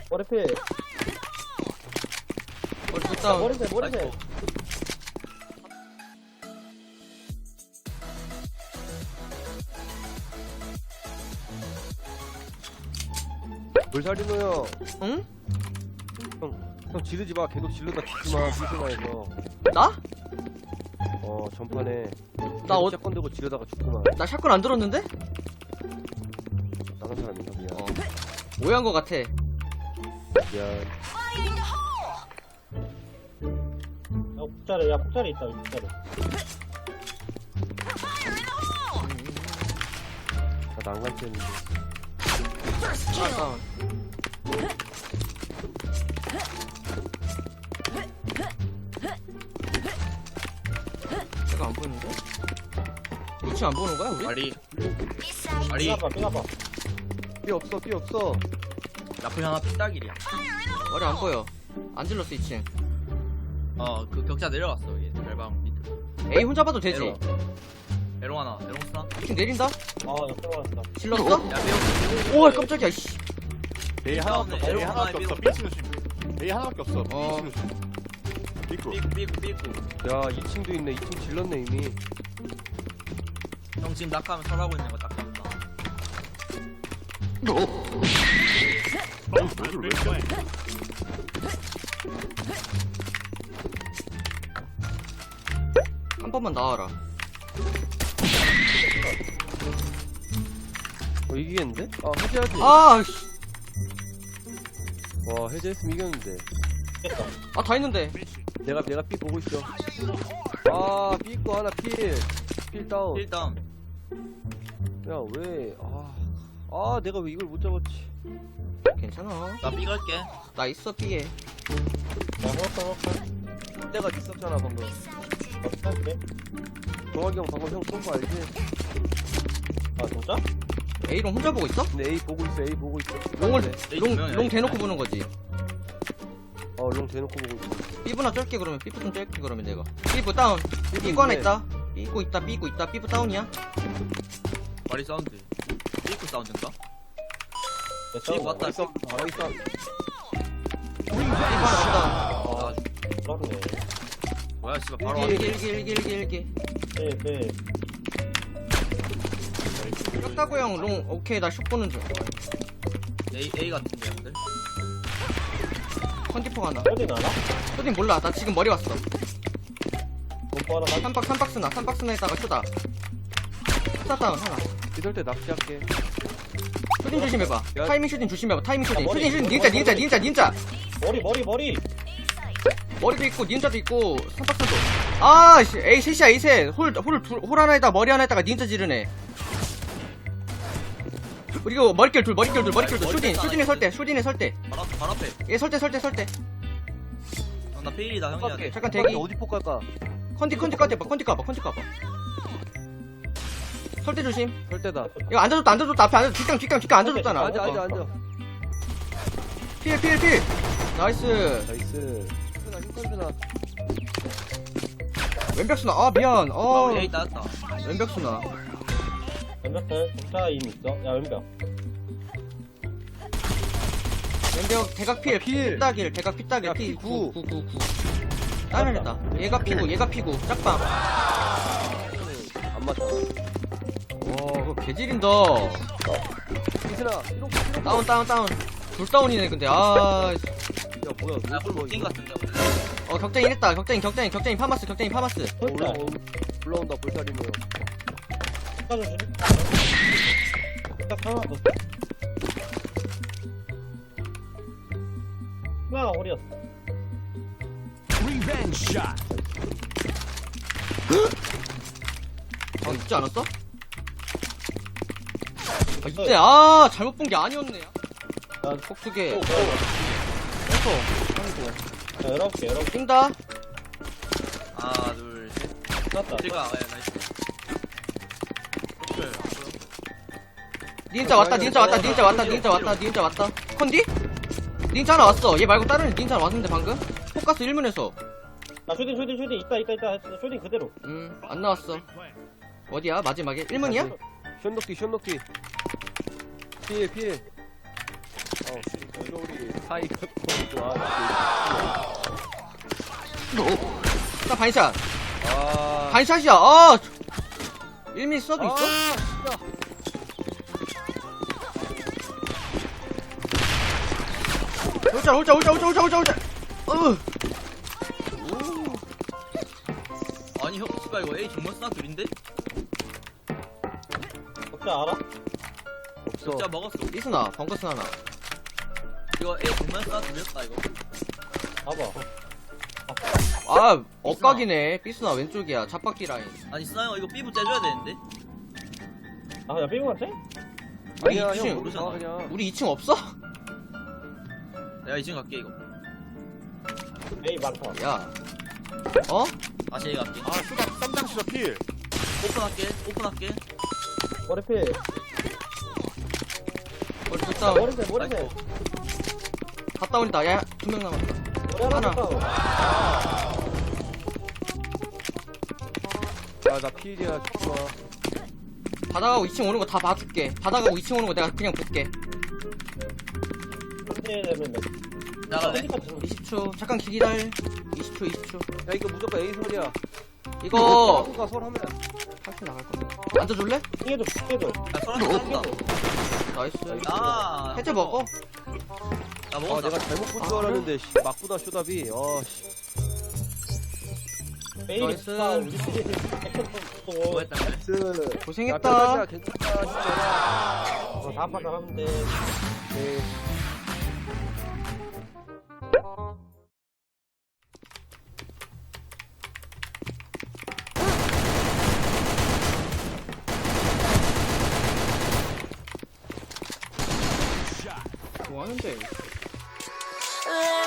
머리필. 머리 pus다운. 머리필, 머리필. 물살이노 형. 응? 형 지르지 마. 계속 지르다 죽지 마. 삐스나에서. 나? 전판에. 나 샷건 들고 지르다가 죽구만. 나 샷건 안 들었는데? 다른 사람인가 미안. 오해한 거 같아. 미안. 야, 폭자리, 야, 폭자리 있다, 폭자리. 나 난간했는데. 하나 다운. 제가 안 보이는데? 위치 안 보는 거야 우리? 말이 삐가봐, 삐가봐. 삐 없어. 삐 없어. 나쁘 하나 삐딱이야. 머리 안 보여. 안 질렀어 2층. 그 격자 내려갔어 얘 절방 밑으로. A 혼자 봐도 되지. 에롱 하나 에롱 스나. 2층 내린다? 아, 옆에 왔다. 질렀어? 야 매우. 오 깜짝이야 씨. A 하나밖에 없어. A 하나밖에 없어. 삐치 조심. A 하나밖에 없어. 어. 삐치 조심. 삐꾸. 삐꾸. 야 2층도 있네. 2층 질렀네 이미. 형 지금 낙하하면 설하고 있는 거 딱 본다. 한 번만 나와라. 이기겠는데? 해제하지. 아 씨. 와 해제했으면 이겼는데. 깼다. 아 다 있는데. 내가 삐 보고 있어. 삐 있고 하나 필. 필 다운. 일단 야 왜? 내가 왜 이걸 못 잡았지? 괜찮아. 나 삐 갈게. 나 있어 B에. 야, 호흡. 내가 있었잖아 방금. 어떡할게? 정학이 형 방금 형 쏜 거 알지? 아, 진짜? A롱 혼자 보고 있어? 근데 A 보고 있어. A 보고 있어. 롱을 A 롱 두명이야, 대놓고 A. 보는 거지. 롱 대놓고 보고 있어. B부나 쩔게 그러면 B부 좀 쩔게 그러면 내가. B부 다운. B부 하나 있다. B고 있다. B부 다운이야. 말이 사운드. 삐꾸 사운드인가? 야, 삐 왔다. 나이스. B부 하나 다운. 아, 그렇네. 뭐야 씨발 바로 일기. 네, 네. 렸다고 형 롱 오케이 나 슛 보는 중. A 같은데 형들. 컨디포 하나. 어디 나나? 쇼딘 몰라. 나 지금 머리 왔어. 공포 하나 가. 3박스나에다가 쇼다. 쇼다 다운 하나. 이럴 때 낚시할게. 쇼딘 조심해봐. 야. 타이밍 쇼딘 조심해봐. 타이밍 쇼딘. 야, 머리, 쇼딘 머리, 닌자. 머리. 머리도 있고 닌자도 있고 3박스도. 아 씨. A 셋이야 A 셋. 홀 하나에다가 머리 하나에다가 닌자 지르네. 그리고 머리결 둘. 쇼딘에 설대. 바로 앞에. 얘 설대. 나 페일이다 형이야. 돼. 잠깐 대기. 어디 폭 갈까? 컨디 까봐. 설대 조심. 절대다. 이거 앉아줬다. 앞에 앉아줬. 뒷강 앉아줬잖아. 앉아. 필. 나이스. 나이스. 힘들구나. 왼벽수나. 아 미안. A 따였다. 왼벽수나. 왼벽들, 공차 이미 있어. 야, 왼벽. 왼벽 대각 필. 피따길. 대각 피따길. 야, 피 P9. 9. 다른 애다. 얘가 피고. 짝방. 안 맞다. 그거 개질인다. 이슬아. 다운. 둘 다운이네 근데. 아. 야 뭐야? 야 띵 같은데. 격쟁이 했다. 격쟁이 파마스. 올라온다 볼살이네요. 깎아주지. 딱 하나 더. 나 어리였어. 있지 않았어? 이때 잘못 본 게 아니었네. 야, 폭수개. 야, 11개. 뛴다. 하나 둘 셋. 났다. 제가 나이스. 닌자 왔다. 컨디? 닌자 하나 왔어. 얘 말고 다른 닌자 왔는데 방금? 포커스 1문에서. 나 쇼딩. 있다. 쇼딩 그대로. 안 나왔어. 어디야? 마지막에? 1문이야? 션녹디. 필. 우리 사이가 너무 좋아. 나 반샷. 아, 반샷이야. 아, 1mm 써도 있어? 진짜. 홀짝. 아니 형 씨발 이거 A 정말 쓰나 둘인데? 격자 알아? 없어. 격자 먹었어. 삐스나, 벙커스 하나. 이거 A 정말 쓰나 둘이었다 이거. 봐봐. 아, 엇각이네. 삐스나 왼쪽이야. 잡박기 라인. 아니 쓰나 형 이거 B부 째줘야 되는데. 아, 야, 삐고 같아? 우리 아니야, 2층, 형 모르잖아, 그냥. 우리 2층 없어? 내가 2층 갈게 이거. 에이, 많다. 야. 어? 다시 A 갈게. 아 슈다 쌈장 슈다 필. 오픈할게. 머리필. 머리 됐다. 머리필. 갔다 오니까. 야, 2명 남았다. 머리 하나 하나. 더. 야, 나 필이야, 좋아. 받아가고 2층 오는 거 다 봐줄게. 받아가고 2층 오는 거 내가 그냥 볼게. 상대 되면 돼. 나갈래? 20초. 잠깐 기다려. 20초. 야, 이거 무조건 A 설이야. 이거, 누가 설 하면. 할게 나갈 거야. 앉아줄래? ting해줘. 야 소라 쏜다. 나이스. 아. 해제 먹어. 나 아, 먹었어. 내가 잘못 본 줄 아, 알았는데, 씨, 맞구나, 쇼답이. 씨. 메일이 나이스. 우리 팀 액션 또. 뭐 했다 그래? 스. 고생했다. 야, 괜찮다, 진짜. 다음 판 나가면 돼. 네. 뭐 하는데? 아